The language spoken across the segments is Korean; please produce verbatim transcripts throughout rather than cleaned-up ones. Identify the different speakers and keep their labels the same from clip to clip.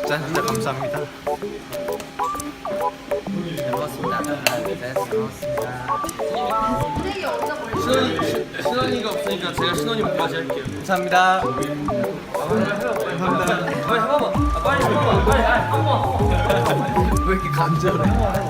Speaker 1: 진짜 진짜 감사합니다.
Speaker 2: 잘 먹었습니다. 네, 잘 먹었습니다.
Speaker 3: 신원이, 신원이가 없으니까 제가 신원이 목까지 할게요.
Speaker 1: 감사합니다. 감사합니다.
Speaker 3: 빨리 한 번만. 아, 빨리 한 번만. 빨리 한 번만.
Speaker 1: 왜 이렇게 감정을 해?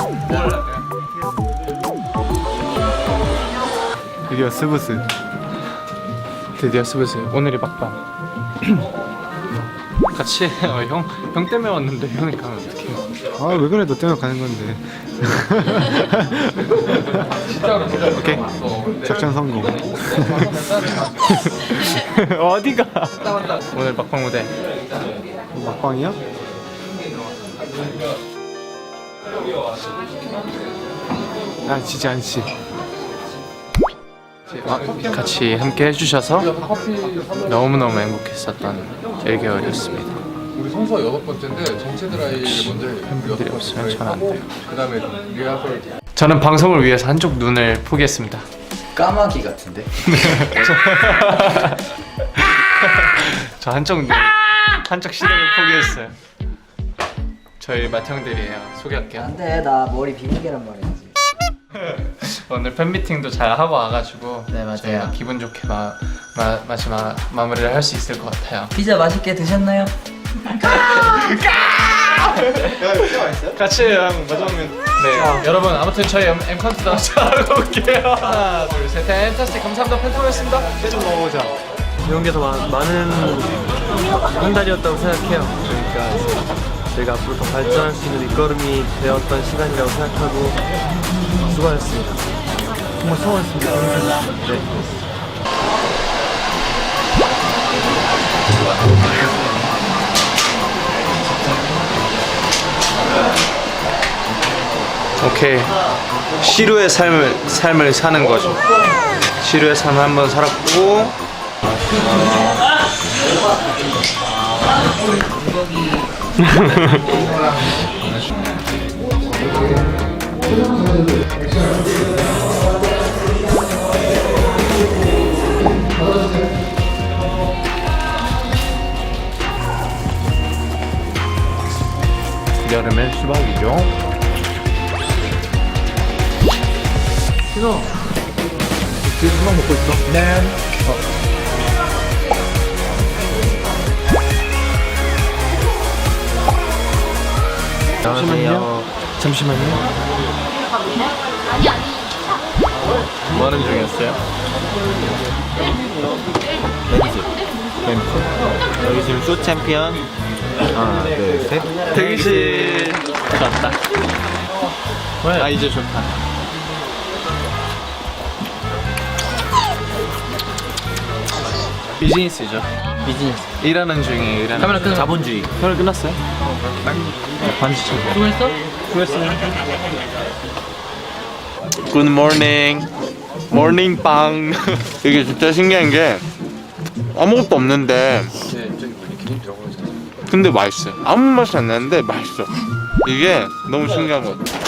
Speaker 1: 드디어 스브스. 드디어 스브스. 오늘이 막방. 같이 어, 형, 형 때문에 왔는데 형이 가면 어떡해. 아 왜 그래, 너 때문에 가는 건데.
Speaker 3: 진짜로 진짜.
Speaker 1: 오케이, 작전 성공. 어디가? 오늘 막방 무대. 막방이야? 아 지지 않지. 아, 같이 함께 해주셔서 너무너무 행복했었던 일 개월이었습니다.
Speaker 4: 우리 성수가 여섯 번째인데 전체 드라이를 먼저 해.
Speaker 1: 팬분들이 없으면 저는 안 돼요.
Speaker 4: 그 다음에 리허설.
Speaker 1: 저는 방송을 위해서 한쪽 눈을 포기했습니다.
Speaker 2: 까마귀 같은데?
Speaker 1: 저 한쪽 눈, 한쪽 시력을 포기했어요. 저희 맏형들이에요. 소개할게요.
Speaker 2: 안돼, 나 머리 비밀계란 말이야지.
Speaker 1: 오늘 팬미팅도 잘 하고 와가지고
Speaker 2: 네, 맞아요.
Speaker 1: 저희가 기분 좋게 마, 마, 마지막 마무리를 할 수 있을 것 같아요.
Speaker 2: 피자 맛있게 드셨나요?
Speaker 1: 같이 형 마지막면 네 여러분 아무튼 저희 M, M 카운트다운 잘하고 올게요. 하나 둘셋 팬타스틱 감사합니다. 팬텀이었습니다. 좀 먹어보자.
Speaker 3: 이런 게 더 많은 한 달이었다고 생각해요. 그러니까 저희가 앞으로 더 발전할 수 있는 밑거름이 되었던 시간이라고 생각하고 수고하셨습니다. 정말 수고하셨습니다. 네.
Speaker 1: 오케이, 시루의 삶을 삶을 사는 거죠. 시루의 삶을 한번 살았고 여름엔 수박이죠.
Speaker 3: 신호 지금 수박 먹고 있어?
Speaker 1: 네. 어.
Speaker 3: 잠시만요.
Speaker 1: 잠시만요. 뭐 하는 중이었어요?
Speaker 3: 여기 지금 쇼 챔피언 하나 둘셋
Speaker 1: 대기실 좋다. 아 이제 좋다. 비즈니스죠.
Speaker 3: 비즈니스
Speaker 1: 일하는 중에 일하는.
Speaker 3: 카메라 끄는 자본주의.
Speaker 1: 카메라 끝났어요? 반지 쳐.
Speaker 3: 수고했어?
Speaker 1: 수고했어요. Good morning. morning 빵. 이게 진짜 신기한 게 아무것도 없는데 근데 맛있어요. 아무 맛이 안 나는데 맛있어. 이게 너무 신기한 것 같아.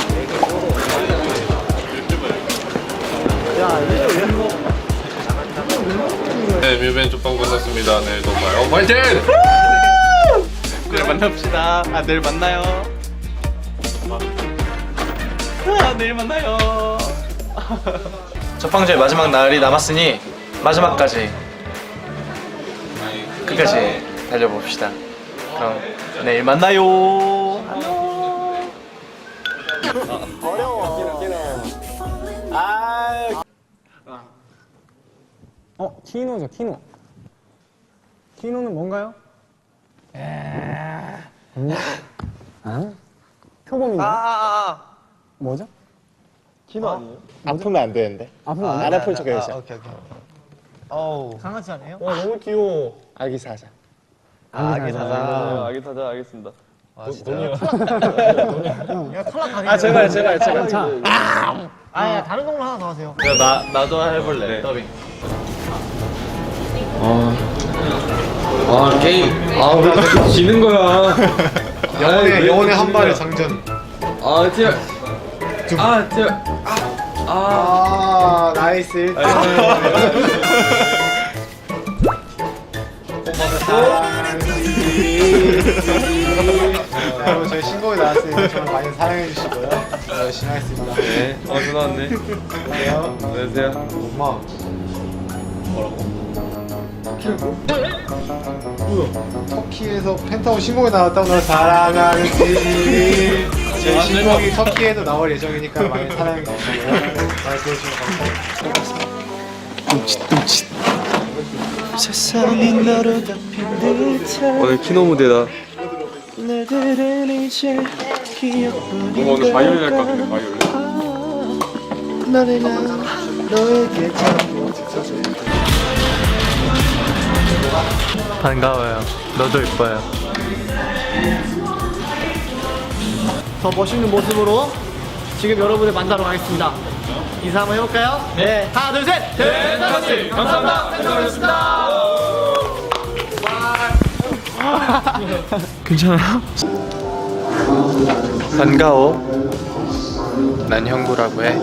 Speaker 4: 네, 뮤벤 쪽방 끝났습니다. 네, 또 봐요. 파이팅!
Speaker 1: 내일 만납시다. 아 내일 만나요. 아 내일 만나요. 첫방제 마지막 날이 남았으니 마지막까지 끝까지 달려봅시다. 그럼 내일 만나요. 안녕. 어려워. 아.
Speaker 5: 어, 키노죠, 키노. 키노는 뭔가요? 에... 아? 표범인가요?
Speaker 1: 아, 아, 아.
Speaker 5: 뭐죠?
Speaker 1: 키노 아니에요?
Speaker 6: 아프면 안 되는데.
Speaker 5: 아프면 안
Speaker 6: 안
Speaker 5: 돼?
Speaker 6: 아플 척 해야지.
Speaker 1: 오케이 오케이. 어우.
Speaker 5: 강아지 아니에요?
Speaker 1: 와 너무 귀여워.
Speaker 6: 아기 사자.
Speaker 1: 아, 아기 사자.
Speaker 3: 아기 타자 알겠습니다.
Speaker 1: 아 진짜.
Speaker 5: 야, 탈락 가게.
Speaker 6: 아 제발 제발 제발.
Speaker 5: 자. 아, 야, 다른 동물 하나 더 하세요.
Speaker 1: 나 나도 해볼래. 더빙.
Speaker 3: 아 게임 아왜 자꾸 지는 거야?
Speaker 6: 영혼의 영혼의 한 발의 장전.
Speaker 3: 아 티어 아 티어 아
Speaker 6: 아 나이스 일 등.
Speaker 1: 아,
Speaker 6: 저는 많이 사랑해 주시고요. 열심히 하겠습니다.
Speaker 3: 네. 어 전화 왔네.
Speaker 6: 안녕.
Speaker 3: 안녕하세요.
Speaker 6: 엄마. 뭐라고? 뭐야? 터키에서 펜타곤 신곡이 나왔다고 널 사랑하는지. 제 신곡이 터키에도 나올 예정이니까 많이 사랑해 주시고요. 많이 들어주시면 감사합니다.
Speaker 3: 오늘 키노 무대다. 뭔가 오늘 바이올린 할 것 같은데 바이올린.
Speaker 1: 반가워요. 너도 이뻐요.
Speaker 5: 더 멋있는 모습으로 지금 여러분을 만나러 가겠습니다. 인사 한번 해볼까요? 네. 하나, 둘, 셋!
Speaker 1: 펜타스틱 감사합니다. 펜타곤이었습니다.
Speaker 3: 괜찮아요?
Speaker 1: 반가워. 난 형구라고 해.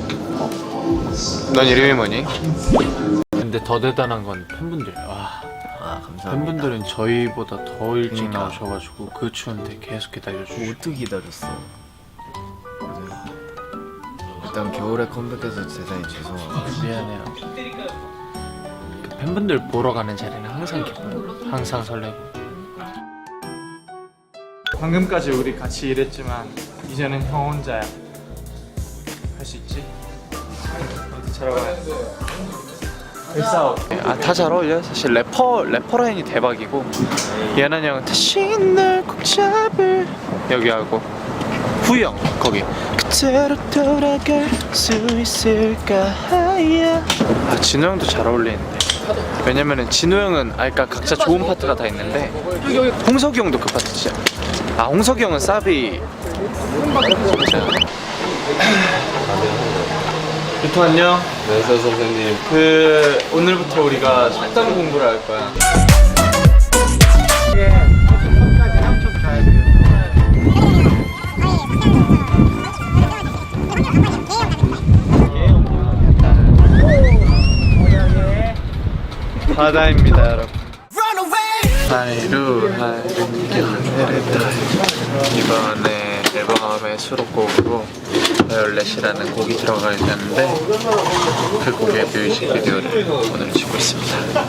Speaker 1: 넌 이름이 뭐니? 근데 더 대단한 건 팬분들. 와.
Speaker 2: 아 감사합니다.
Speaker 1: 팬분들은 저희보다 더 일찍
Speaker 2: 그러니까.
Speaker 1: 나오셔가지고 그 추운데 계속 기다려주시고.
Speaker 2: 어떻게 기다렸어? 일단 겨울에 컴백해서 대단히 죄송하고
Speaker 1: 미안해요. 그 팬분들 보러 가는 자리는 항상 기뻐요. 항상 설레고. 방금까지 우리 같이 일했지만 이제는 형 혼자야. 할 수 있지? 어디 잘하고. 아다 잘 어울려. 사실 래퍼 래퍼 라인이 대박이고 예난 형은 다시 널 꼭 잡을 여기 하고 후이 형 거기 그대로 돌아갈 수 있을까. 아 진호 형도 잘 어울리는데. 왜냐면은 진호 형은 아 그러니까 각자 좋은 파트가 다 있는데 홍석이 형도 그 파트 진짜. 아 홍석이 형은 사비. 유통 안녕.
Speaker 3: 안녕하세요 선생님.
Speaker 1: 그 오늘부터 우리가 속담 공부를 할 거야.
Speaker 6: 끝까지 삼촌 가야 돼요.
Speaker 1: 바다입니다 여러분. 하이루 하이루 하늘에다. 이번에 앨범의 수록곡으로 바이올렛이라는 곡이 들어가게 되는데 그 곡의 뮤직비디오를 오늘 찍고 있습니다.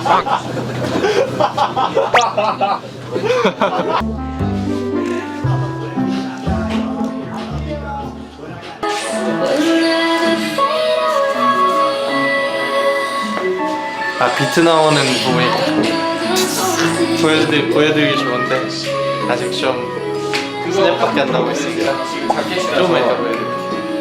Speaker 1: 아 비트 나오는 부분이 보여드리, 보여드리기 좋은데 아직 좀 스냅밖에 안 나오고 있습니다. 조금만 이따 보여드릴게요.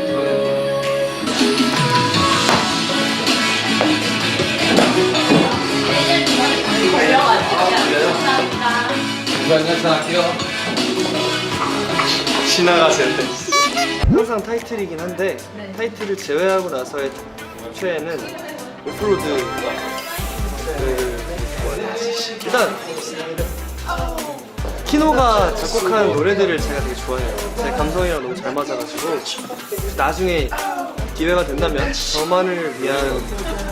Speaker 1: 지나가실 때
Speaker 3: 항상 타이틀이긴 한데 타이틀을 제외하고 나서의 최애는 오프로드. 그 일단 키노가 작곡한 노래들을 제가 되게 좋아해요. 제 감성이랑 너무 잘 맞아가지고 나중에 기회가 된다면 저만을 위한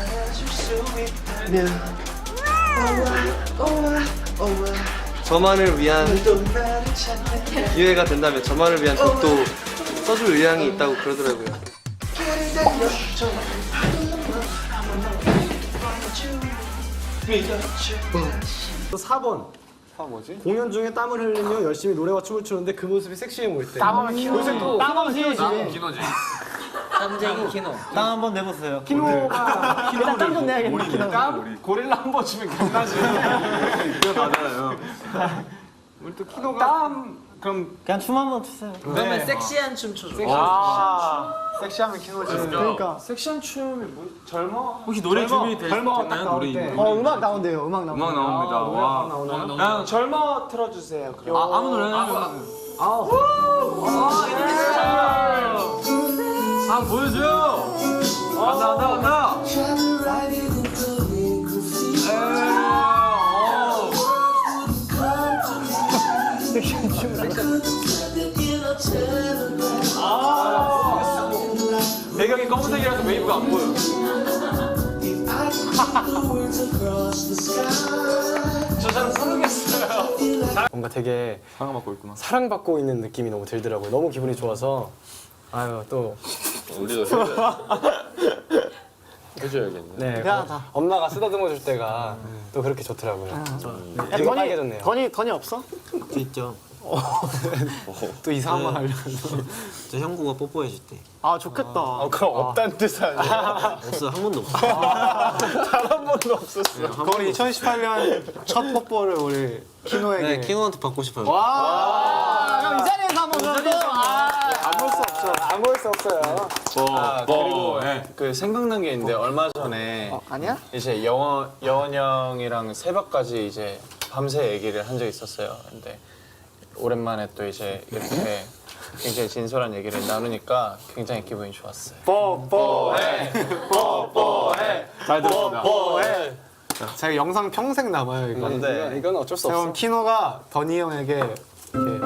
Speaker 3: 저만을 위한 기회가 된다면 저만을 위한 곡도 써줄 의향이 있다고 그러더라고요.
Speaker 5: 사 번. 공연 중에 땀을 흘리며 열심히 노래와 춤을 추는데 그 모습이 섹시해 보일 때. 땀하면 키노. 요새 또 땀하면 키노지.
Speaker 2: 땀쟁이 키노.
Speaker 5: 땀 한번 내보세요. 키노가 일단 땀 좀 내야겠네. 키노.
Speaker 1: 고릴라 한 번 주면 괜찮지.
Speaker 3: 이거 맞아요.
Speaker 1: 우리 또 키노가 땀 그럼
Speaker 5: 그냥 춤 한번 추세요.
Speaker 2: 그러면 섹시한 춤 춰줘.
Speaker 6: 아, 섹시하면 키노지.
Speaker 5: 그러니까
Speaker 1: 섹시한 춤이 뭐 젊어?
Speaker 3: 혹시 노래 준비되셨나요? 노래
Speaker 5: 때. 어 음악 나온대요. 음악 나온대요.
Speaker 3: 음악 나옵니다.
Speaker 5: 아,
Speaker 3: 와.
Speaker 5: 음악 나오나요?
Speaker 1: 그냥 젊어 틀어주세요. 그럼.
Speaker 3: 아, 아무 노래나 아 보여줘요. 간다 간다 간다.
Speaker 1: 배경이 검은색이라서 웨이브가 안 보여. 저 사람 성공했어요.
Speaker 5: 뭔가 되게
Speaker 3: 사랑받고 있구나.
Speaker 5: 사랑받고 있는 느낌이 너무 들더라고요. 너무 기분이 좋아서 아유 또
Speaker 4: 우리도 해줘야 해줘야겠네.
Speaker 5: 네, 어, 엄마가 쓰다듬어 줄 때가 또 그렇게 좋더라고요. 되게
Speaker 7: 건이
Speaker 5: 빨개졌네요.
Speaker 7: 건이 건이 없어?
Speaker 2: 저 있죠.
Speaker 5: 또 이상한 말 하려고.
Speaker 2: 저 형구가 뽀뽀해 줄 때.
Speaker 7: 아 좋겠다.
Speaker 6: 그럼 없다는 뜻 아니야?
Speaker 2: 없어 한 번도 없어.
Speaker 6: 단한 번도 없었어. 그건 이천십팔 년 첫 뽀뽀를 우리 키노에게.
Speaker 2: 네, 키노한테 받고 싶어요.
Speaker 7: 그럼 이 자리에서 한번 그러면
Speaker 5: 안 볼 수 없어요.
Speaker 6: 아, 그리고 그 생각난 게 있는데 얼마 전에
Speaker 7: 아니야?
Speaker 6: 이제 영원 여원 형이랑 새벽까지 이제 밤새 얘기를 한 적이 있었어요. 근데 오랜만에 또 이제 이렇게 굉장히 진솔한 얘기를 나누니까 굉장히 기분이 좋았어요. 뽀뽀해, 뽀뽀해, 잘 들었습니다. 뽀뽀해. 제가 영상 평생 남아요 이거.
Speaker 5: 근데 이건 어쩔 수
Speaker 6: 그럼 키노가 더니 형에게 이렇게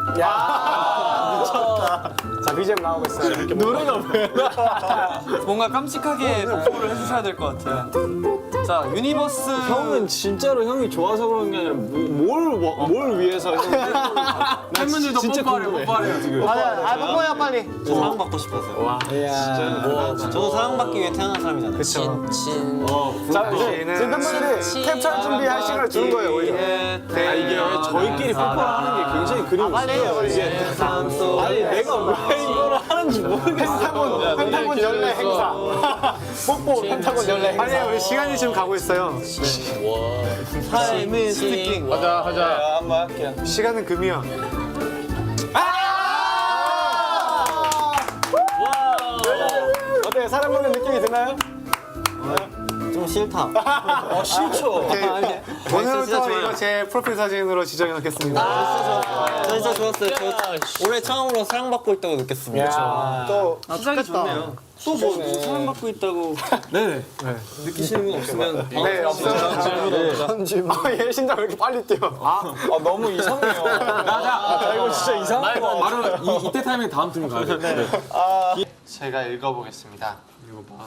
Speaker 5: 미쳤다. 자 비지엠 나오고 있어요. 이렇게 노래가
Speaker 3: 뭔가 깜찍하게 뽀뽀를 해주셔야 될 것 같아요. 자, 유니버스.
Speaker 6: 형은 진짜로 형이 좋아서 그런 게 아니라 뭘 뭘 위해서 형
Speaker 3: 팬분들도 뽀뽀하래요, 뽀뽀하래요, 지금.
Speaker 7: 아 뽀뽀야 빨리.
Speaker 2: 저 사랑받고 싶어서요. 와, 진짜. 저도 사랑받기 위해 태어난 사람이잖아요.
Speaker 5: 그쵸.
Speaker 2: 친.
Speaker 5: 자 이제 지금 팬분들이 캡처 준비할 시간을 주는 거예요 오히려.
Speaker 6: 아 이게 저희끼리 뽀뽀를 하는 게 굉장히 그림이
Speaker 7: 빨리
Speaker 6: 있어요. 이게 아니 내가 왜 이거를 하는지 모르겠어. 펜타곤 펜타곤 연례 행사. 뽀뽀 펜타곤 연례 행사. 아니 우리 시간이 지금 가고 있어요.
Speaker 2: 타임은 스피킹.
Speaker 4: 하자 하자.
Speaker 6: 한번 할게요. 시간은 금이야. 어때요? 사랑받는 느낌이 드나요?
Speaker 2: 좀 싫다.
Speaker 6: 어 싫죠. 오늘부터
Speaker 2: 진짜 좋아요.
Speaker 6: 이거 제 프로필 사진으로 지정해 놓겠습니다.
Speaker 2: 저 진짜 좋았어요. 저 올해 처음으로 사랑받고 있다고 느꼈습니다.
Speaker 6: 또
Speaker 3: 시작이 좋네요.
Speaker 2: 또뭐 사랑받고 있다고.
Speaker 3: 네네.
Speaker 2: 느끼시는 거 없으면.
Speaker 6: 네, 없어요. 질문 없어요. 아, 얘 심장 왜 이렇게 빨리 뛰어? 아, 아 너무 이상해요. 아, 이거 진짜 이상한 거.
Speaker 3: 바로 이, 이때 타이밍 다음 팀 가야 돼.
Speaker 6: 제가 읽어보겠습니다. 읽어봐.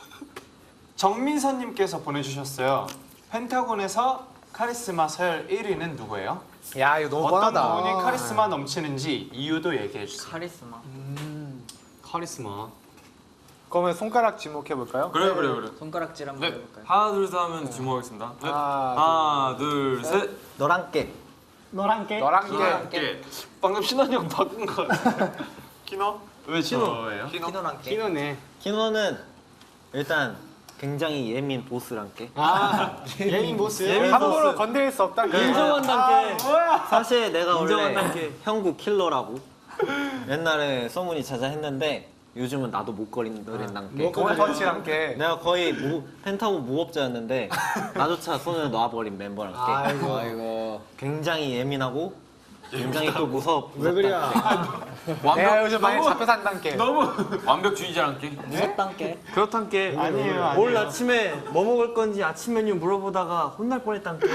Speaker 6: 정민선님께서 보내주셨어요. 펜타곤에서 카리스마 서열 일 위는 누구예요?
Speaker 5: 야 이거 너무
Speaker 6: 어떤
Speaker 5: 뻔하다.
Speaker 6: 부분이 카리스마 넘치는지 이유도 얘기해 주세요.
Speaker 2: 카리스마.
Speaker 3: 카리스마.
Speaker 6: 그러면 손가락 지목해 볼까요?
Speaker 3: 그래, 그래, 그래.
Speaker 2: 손가락질 한번 해볼까요?
Speaker 3: 하나, 둘, 셋 하면 주목하겠습니다. 네.
Speaker 6: 하나,
Speaker 3: 하나, 둘, 셋.
Speaker 2: 너랑 깨.
Speaker 7: 너랑 깨.
Speaker 6: 너랑 게
Speaker 3: 예.
Speaker 6: 방금 신원이 형 바꾼 거 같아. 키노? 왜 저예요?
Speaker 2: 키노랑 깨.
Speaker 6: 키노네.
Speaker 2: 키노는 일단 굉장히 예민 보스랑 깨.
Speaker 6: 아 예민 보스.
Speaker 3: 예민
Speaker 6: 함부로
Speaker 3: 보스.
Speaker 6: 건드릴 수 없다.
Speaker 3: 인정한다는 게.
Speaker 2: 사실 내가 원래
Speaker 3: 인정한다는 게.
Speaker 2: 형구 킬러라고 옛날에 소문이 자자했는데 요즘은 나도 목걸이들은 게.
Speaker 6: 돈 터치랑 게.
Speaker 2: 내가 거의 무, 펜타곤 무법자였는데 나조차 손을 놔버린 멤버랑 게.
Speaker 5: 아이고 아이고.
Speaker 2: 굉장히 예민하고 굉장히 또 무섭. 왜
Speaker 5: 그래?
Speaker 6: 내가 요즘 많이 잡혀 산단 게.
Speaker 3: 완벽주의자랑 게.
Speaker 2: 무섭단 게.
Speaker 3: 그렇단 게.
Speaker 6: 아니에요, 아니에요.
Speaker 3: 오늘 아침에 뭐 먹을 건지 아침 메뉴 물어보다가 혼날 뻔했단 게.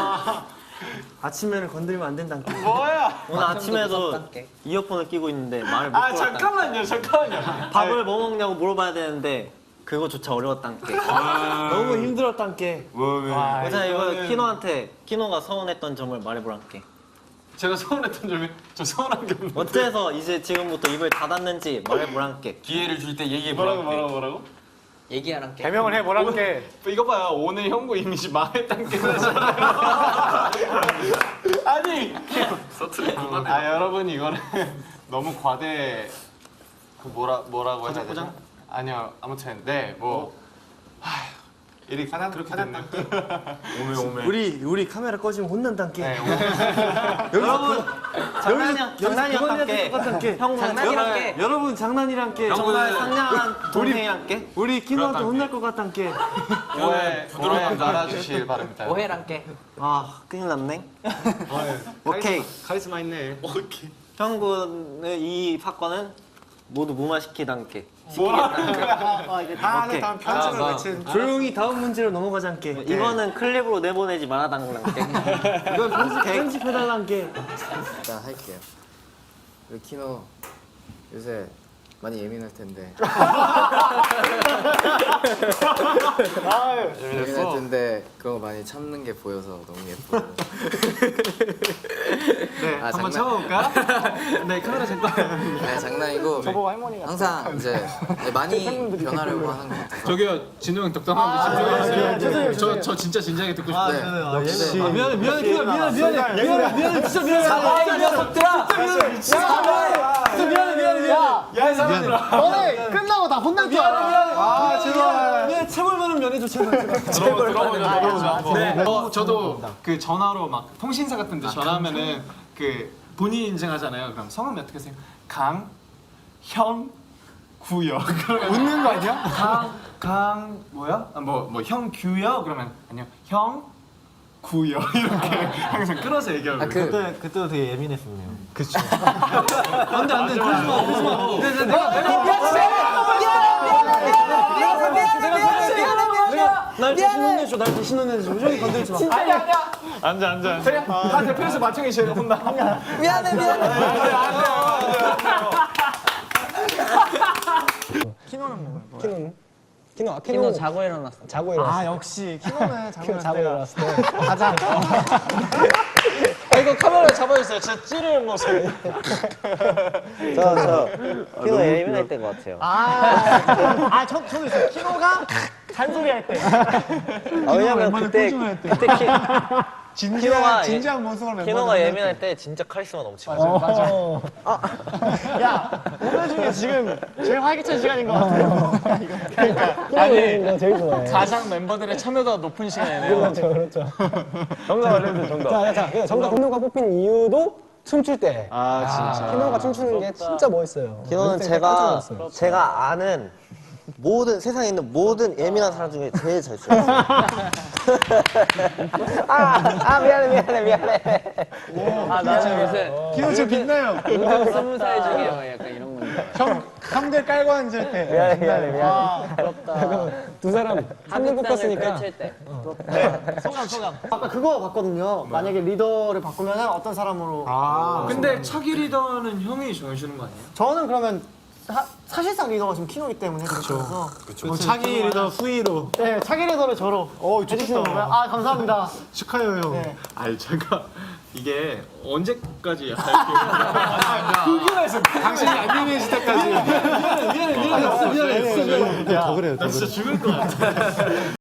Speaker 3: 아침 메뉴를 건드리면 안 된단 게.
Speaker 6: 뭐야?
Speaker 2: 오늘 아침에도 이어폰을 끼고 있는데 말을 못
Speaker 6: 아
Speaker 2: 걸었단 게.
Speaker 6: 잠깐만요, 잠깐만요.
Speaker 2: 밥을 뭐 먹냐고 물어봐야 되는데 그거조차 어려웠단 게.
Speaker 3: 너무 힘들었단 게.
Speaker 2: 그래서 이거 키노한테 키노가 서운했던 점을 말해보란 게.
Speaker 6: 제가 서운했던 점이 저 서운한 게 없는.
Speaker 2: 어째서 이제 지금부터 입을 닫았는지 말해보란 게.
Speaker 3: 기회를 줄 때 얘기해
Speaker 6: 뭐라고
Speaker 3: 보라.
Speaker 6: 뭐라고 뭐라고?
Speaker 2: 얘기하란 게.
Speaker 6: 개명을 해 뭐라는 게. 이거 봐요, 오늘 형구 이미지 망했단 게 나잖아요. 아니. 아 여러분 이거는 너무 과대. 그 뭐라 뭐라고 해야 되죠? 아니요 아무튼 네뭐 이렇게 하나 그렇게 됐네요.
Speaker 3: 오메 오메. 우리 우리 카메라 꺼지면 혼난단 게.
Speaker 6: 네,
Speaker 2: 여러분 장난이야 장난이었단 게.
Speaker 3: 똑같단 게.
Speaker 2: 형 장난이란 게.
Speaker 3: 여러분 장난이란 게.
Speaker 2: 정말 상냥한 동생이란 게.
Speaker 3: 우리 키노한테 혼날 것 같단 게.
Speaker 6: 오해 오해 말아주실 바랍니다.
Speaker 2: 오해란 게. 아 큰일 났네. 오케이.
Speaker 6: 카리스마 있네.
Speaker 2: 형군의 이 사건은 모두 무마시키단 게.
Speaker 6: 아 이게 다
Speaker 2: 오케이.
Speaker 6: 다음 편집을 외친.
Speaker 3: 조용히 다음 문제로 넘어가잔 게.
Speaker 2: 이거는 클립으로 내보내지 말아달란 게.
Speaker 3: 이건 편집 편집해달란 게.
Speaker 7: 자 할게요. 우리 키노 요새
Speaker 8: 많이 예민할 텐데. 예민할 텐데 그런 거 많이 참는 게 보여서 너무 예쁘고.
Speaker 7: 네,
Speaker 8: 아,
Speaker 7: 한번
Speaker 8: 장난-
Speaker 7: 쳐볼까? 네, 카메라 잠깐.
Speaker 8: 네, 장난이고
Speaker 7: 저보고 할머니 같아.
Speaker 8: 항상 이제 많이 변하려고 하는 것 같아서.
Speaker 1: 저기요 진우 형 덕담하는데 집중해주세요. 저, 저 진짜 진지하게 듣고 싶어요.
Speaker 8: 네.
Speaker 5: 역시.
Speaker 7: 아, 미안해, 미안해, 미안해, 미안해, 미안해, 미안해, 미안해, 진짜 미안해. 진짜 미안해, 미안해, 미안해. 야, 이 사람들아. 너네 끝나고 다 혼날 줄 알아.
Speaker 5: 아 제발.
Speaker 7: 미안해, 체벌만은 면해줘, 제발.
Speaker 6: 네. 어, 저도 그 전화로 막 통신사 같은 데 전화하면은 그 본인 인증하잖아요. 그럼 성함이 어떻게 하세요? 강, 현, 구요. 그러면
Speaker 7: 웃는 거 아니야?
Speaker 6: 강, 강 뭐야? 아, 뭐, 뭐 형규요? 그러면 아니요, 형, 구요. 이렇게 항상 끌어서 얘기하고.
Speaker 8: 아, 그
Speaker 7: 그때 그때도 되게 예민했었네요.
Speaker 6: 그쵸.
Speaker 7: 안돼 안돼 그러지 마 그러지 마. 내가 내가 날 대신 혼내줘 날 대신 혼내줘 우정이 건들지 마.
Speaker 6: 아니야, 아니야. 앉아, 앉아. 그래. 다 대표에서 마청이 제일 혼나.
Speaker 8: 미안해 미안해.
Speaker 7: 키노는? 키노 아
Speaker 9: 키노 자고 일어났어.
Speaker 7: 자고 일어났어. 아 역시 키노는 자고, 자고 일어났을 때 가자.
Speaker 9: 아 이거 카메라 잡아주세요. 제 찌를 모습.
Speaker 2: 저저 키노 예민할 때인 것 같아요.
Speaker 7: 아, 아, 저, 저도 있어요. 키노가 잔소리 할 때.
Speaker 2: 아, 왜냐면 그때 그때 키, 키노가
Speaker 7: 진지한 모습을
Speaker 2: 키노가 예민할 때 진짜 카리스마 넘치고.
Speaker 7: 맞아. 야, 오늘 중에 지금 제일 활기찬 시간인 것 같아요. 그러니까. 아니, 거 제일 좋아해.
Speaker 9: 가상 멤버들의 참여도가 높은 시간이네요.
Speaker 7: 그렇죠, 그렇죠. 정답 알려주세요, 정답. 자, 자, 자, 정답 키노가 뽑힌 이유도 춤출 때. 아, 진짜. 키노가 춤추는 게 진짜 멋있어요.
Speaker 2: 키노는 제가 제가 아는 모든 세상에 있는 모든 예민한 사람 중에 제일 잘 춰요. 아, 아 미안해 미안해 미안해.
Speaker 9: 아 나는 요새
Speaker 7: 키노 지금 빛나요.
Speaker 9: 요즘 스무 살 중이에요. 약간 이런 건데.
Speaker 7: 형, 형들 깔고 앉을 때.
Speaker 2: 미안해 미안해 미안해.
Speaker 9: 아 부럽다.
Speaker 7: 두 사람 한 명 뽑혔으니까.
Speaker 9: 펼칠 때.
Speaker 7: 소감, 소감. 아까 그거 봤거든요. 만약에 리더를 바꾸면 어떤 사람으로.
Speaker 6: 아. 근데 차기 리더는 형이 정해주는 거 아니에요?
Speaker 7: 저는 그러면 사, 사실상 리더가 지금 키노기 때문에 그렇죠.
Speaker 5: 뭐 차기 리더 후이로.
Speaker 7: 네, 차기 리더를 저로
Speaker 5: 어
Speaker 7: 해주시는
Speaker 5: 좋겠다.
Speaker 7: 건가요? 아, 감사합니다.
Speaker 5: 축하해요 형.
Speaker 7: 네.
Speaker 6: 아니 제가 이게 언제까지 할게요? 궁금해서
Speaker 5: 당신이 안 예민해질 때까지.
Speaker 7: 미안해, 미안해, 미안해, 미안해.
Speaker 5: 더 그래요. 더
Speaker 6: 나 진짜 죽을 것 같아.